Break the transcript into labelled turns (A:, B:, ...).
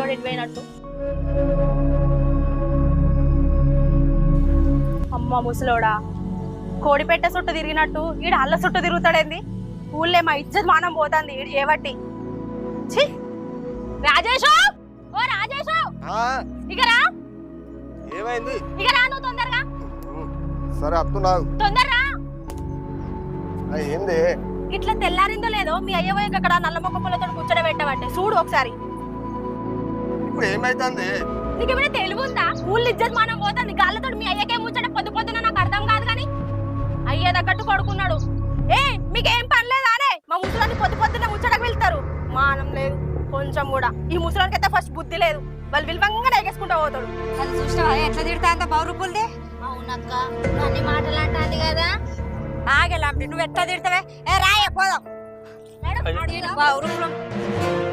A: ముసలోడు ఎటుపోయినట్టు. అమ్మ ముసలోడా, కోడిపెట్ట చుట్టూ తిరిగినట్టు ఈడు అల్ల చుట్టూ తిరుగుతాడేంది? ఊళ్ళే మా ఇజ్జత్ మానం పోతుంది ఈడు ఏవట్టి. రాజేషు, ఓ రాజేషు, ఇక రా.
B: ఏమైంది?
A: ఇక రా నువ్వు తొందరగా.
B: సరే అత్తున్నా,
A: తొందరరా.
B: ఏంది?
A: ఇట్లా తెల్లారిందో లేదో మీ అయ్యవో అక్కడ నల్ల మొక్క పుల్లతో ముచ్చట పెట్టబట్టే చూడు ఒకసారి.
B: ఇప్పుడు ఏమైతుంది?
A: నీకేమైనా తెలివుందా? ఊళ్ళు ఇజ్జత్ మానం పోతుంది. గాళ్ళతో మీ అయ్యకే ముచ్చట పొద్దు పొద్దున నాకు అర్థం కాదు కానీ అయ్యే తగ్గట్టు పడుకున్నాడు. ఏ మీకేం పని లేదా అనే మా ముసలాన్ని పొద్దు పొద్దున్న ముచ్చటకు వెళ్తారు. మానం లేదు కొంచెం కూడా. ఈ ముసలానికి అయితే ఫస్ట్ బుద్ధి లేదు. వాళ్ళు విలువంగా ఎగేసుకుంటా పోతాడు.
C: అది చూసినావా ఎట్లా తిడతా అంత బౌరుపుల్ది?
A: అవునక్క, అన్ని మాటలు అంటాంది కదా.
C: ఆగేలా నువ్వు ఎట్లా తిడతావే? ఏ రాయ పోదాం.
A: బౌరుపులం